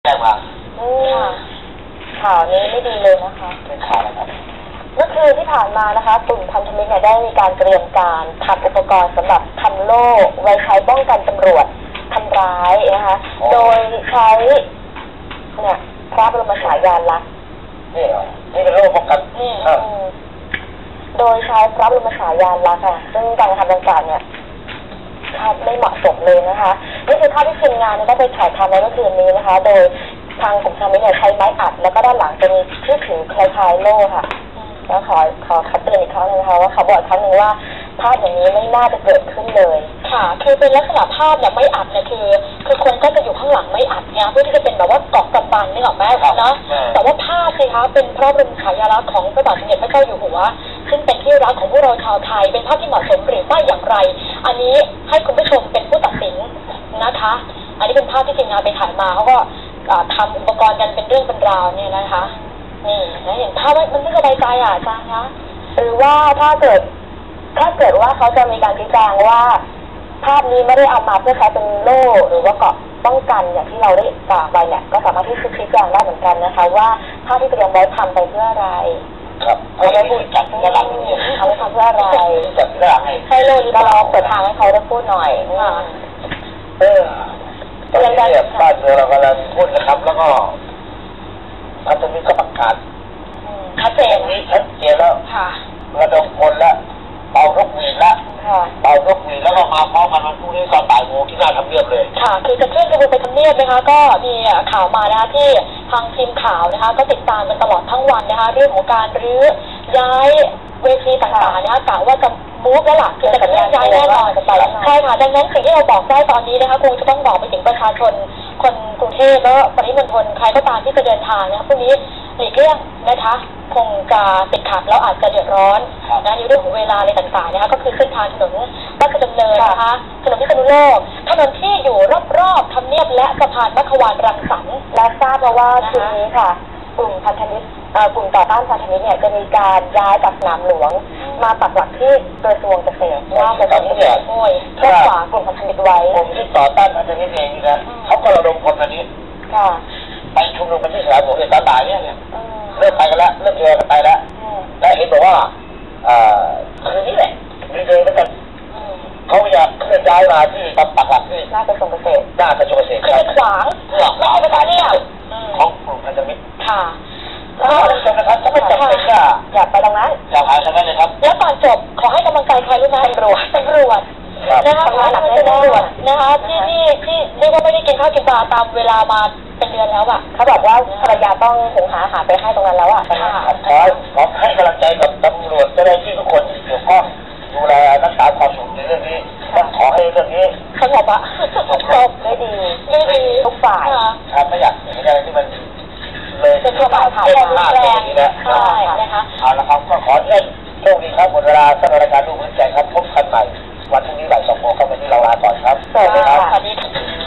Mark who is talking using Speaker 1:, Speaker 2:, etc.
Speaker 1: จ้งมา
Speaker 2: ข่าวนี้ไม่ดีเลยนะคะ
Speaker 1: เป็นข่าวอะไรครับ
Speaker 2: เมื่อคืนที่ผ่านมานะคะกลุ่มพันธมิตรได้มีการเตรียมการทำอุปกรณ์สำหรับทำโล่ไว้ใช้ป้องกันตำรวจทำร้ายนะคะโดยใช้เนี่ยพระบรมฉายาลักษณ์
Speaker 1: นี่เหรอนี่เป็นโล่ป้องกัน
Speaker 2: โดยใช้พระบรมฉายาลักษณ์ค่ะซึ่งการทำดังกล่าวเนี่ยไม่เหมาะสมเลยนะคะนี่คือภาพที่ทีมงานได้ไปถ่ายทำในเมื่อคืนนี้นะคะโดยทางกลุ่มพันธมิตรใช้ไม้อัดแล้วก็ด้านหลังเป็นที่ถือคล้ายๆโล่ค่ะแล้วขอเตือนอีกครั้งนึงนะคะว่าเขาบอกครั้งนึงว่าภาพอย่างนี้ไม่น่าจะเกิดขึ้นเลย
Speaker 3: ค่ะคือเป็นลักษณะภาพเนี่ยไม่อัดเนี่ยคือคนก็จะอยู่ข้างหลังไม่อัดเนี่ยเพื่อที่จะเป็นแบบว่าเกาะกำบังนี่หรอแม่นะแต่ว่าภาพสิคะเป็นพระบรมฉายาลักษณ์ของพระบาทสมเด็จพระเจ้าอยู่หัวซึ่งเป็นที่รักของพวกเราชาวไทยเป็นภาพที่เหมาะสมหรือไม่อย่างไรอันนี้ให้คุณผู้ชมเป็นผู้ตัดสินนะคะอันนี้เป็นภาพที่ทีมงานไปถ่ายมาเขาก็ทำอุปกรณ์กันเป็นเรื่องเป็นราวเนี่ยนะคะนี่นะอย่างภาพมันไม่สบายใจอาจารย์คะ
Speaker 2: หรือว่าถ้าเกิดว่าเขาจะมีการชี้แจงว่าภาพนี้ไม่ได้เอามาเพื่อใช้เป็นโล่หรือว่าเกาะป้องกันอย่างที่เราได้กล่าวไปเนี่ยก็สามารถที่จะชี้แจงได้เหมือนกันนะคะว่าภาพที่เตรียมไว้ทำไปเพื่ออะไร
Speaker 1: ครับเอาไว้พูดจัดกระดัง
Speaker 2: เนี่ยเอาไว้ทำเพื่ออะไร
Speaker 1: จัดกระดัง
Speaker 2: ให้โล่นี้ก็ลองเปิดทางให้เขาได้พูดหน่อย
Speaker 1: ตอนนี้เนี่ยบ้านเมืองเรากำลังพูดนะครับ แล้วก็พันธมิตรก็ประกาศ
Speaker 3: ชัดเจน
Speaker 1: นี้ชัดเจนแล้วระดมคนแล้วเป่านกหวีดแล้วเป่านกหวีดแล้วก็มาพร้อมกันวันพรุ่งนี้ตอนบ่ายโมงที่หน้าทำเนียบเลย
Speaker 3: ค่ะคือจะเคลื่อนขบวนไปทำเนียบนะคะก็มีข่าวมานะคะที่ทางทีมข่าวนะคะก็ติดตามกันตลอดทั้งวันนะคะเรื่องของการรื้อย้ายเวทีต่างๆนะคะกะว่าจะมูฟแล้วล่ะคือจะเคลื่อนย้ายแน่นอนใช่ค่ะดังนั้นสิ่งที่เราบอกได้ตอนนี้นะคะคงจะต้องบอกไปถึงประชาชนคนกรุงเทพและปริมณฑลใครก็ตามที่จะเดินทางนะคะพวกนี้หลีกเลี่ยงนะคะคงจะติดขัดแล้วอาจจะเดือดร้อนนะในเรื่องของเวลาอะไรต่างๆนะคะก็คือเส้นทางถนนราชดำเนินนะคะถนนพิษณุโลกถนนที่อยู่รอบๆทำเนียบและสะพานมัขวานรังสรรค์
Speaker 2: และทราบมาว่าคืนนี้ค่ะกลุ่มพันธมิตรกลุ่มต่อต้านพันธมิตรเนี่ยจะมีการย้ายจากสนามหลวงมาปักหลักที่กระทรวงเกษตร
Speaker 1: ว่า
Speaker 2: กระทรวงเกษตรเพื่อขวางกลุ่มพันธมิตรไว้
Speaker 1: กลุ่มที่ต่อต้านพันธมิตรเองนะเขาก็ระดมคนมานี้ไปชุมนุมกันที่สนามหลวงตอนบ่ายเนี่ยเริ่มไปกันแล้วเริ่มเจอกันไปแล้วและเห็นบอกว่าคืนนี้แหละมีเดินกันเขาอยากเคลื่อนย้ายมาที่ปักหลักที่
Speaker 2: หน้ากระทรวงเกษตร
Speaker 3: คือเป็นขวางไม่ใช่เป็นเนี่ย
Speaker 1: ของกลุ่มพันธมิตร
Speaker 3: ค่ะ
Speaker 1: แล้วท่านผู้ชมนะครับถ้าไม่จำเป็นก็
Speaker 2: อยากไปตรงนั้น
Speaker 1: อยากหาทางนั้นเลยครับ
Speaker 3: แล้วก่อนจบขอให้กำลังใจใครรู้ไหมตำรวจนะคะขอให้กำลังใจตำรวจนะคะที่เรียกว่าไม่ได้กินข้าวกินปลาตามเวลามาเป็นเดือนแล้วอ่ะ
Speaker 2: เขาบอกว่าภรรยาต้องหุงหาอาหารไปให้ตรงนั้นแล้วอ่ะ
Speaker 1: ขอให้กำลังใจกับตำรวจเจ้าหน้าที่ทุกคนที่เกี่ยวข้องดูแลรักษาความสงบในเรื่องนี้ต้องขอให้เรื่องนี้
Speaker 3: สงบอะ
Speaker 2: จบได้ดีทุกฝ่าย
Speaker 1: ครับไม่อยากมีอะไรที่มันเลย
Speaker 3: เป็นตัวฝ่ายผ่าน
Speaker 1: แรง
Speaker 3: ใช่นะคะ
Speaker 1: เอาละครับก็ขอเชิญโชคดีครับหมดเวลาสำหรับรายการดูพื้นใจครับพบกันใหม่วันพรุ่งนี้บ่าย 2 โมงครับวันนี้เราลาก่อนครับ
Speaker 2: สวัสดีค่ะ